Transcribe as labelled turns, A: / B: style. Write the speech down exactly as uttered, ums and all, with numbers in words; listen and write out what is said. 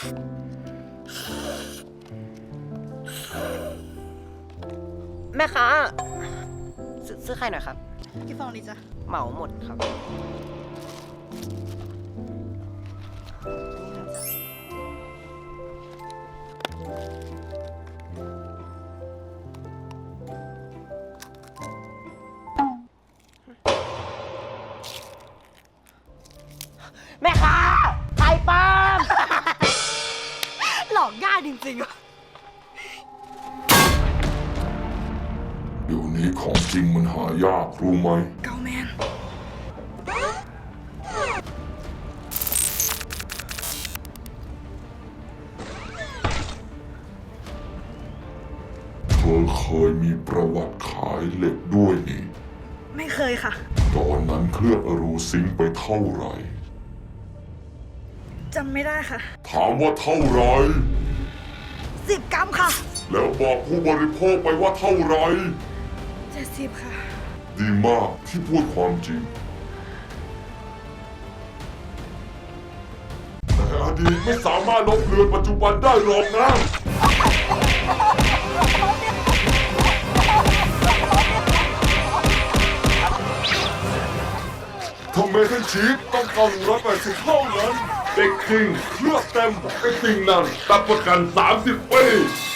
A: แม่ค้าซื้อซื้อไข่หน่อยครับ
B: กี่ฟองดีจ๊ะ
A: เหมาหมดครับแม่ค้าไข่ปลอม
B: หลอกง่ายจริงๆอะ
C: เดี๋ยวนี้ของจริงมันหายากรู้ไหม
B: เกาแมน
C: เธอเคยมีประวัติขายเหล็กด้วยนี่
B: ไม่เคยค่ะ
C: ตอนนั้นเคลือบอรูซิงค์ไปเท่าไหร่
B: จำไม่ได้ค่ะ
C: ถามว่าเท่าไหร่
B: สิบกรัมค่ะ
C: แล้วบอกผู้บริโภคไปว่าเท่าไหร่
B: เจ็ดสิบค่ะ
C: ดีมากที่พูดความจริง แต่อดีตไม่สามารถลบเลือนปัจจุบันได้หรอกนะ ทำไมทั้งชีพต้องเก้าหนึ่งร้อยแปดสิบเท่านั้นเด็กจริงเคลือบเต็มไอ้สิ่งนั้นรับประกันสามสิบปี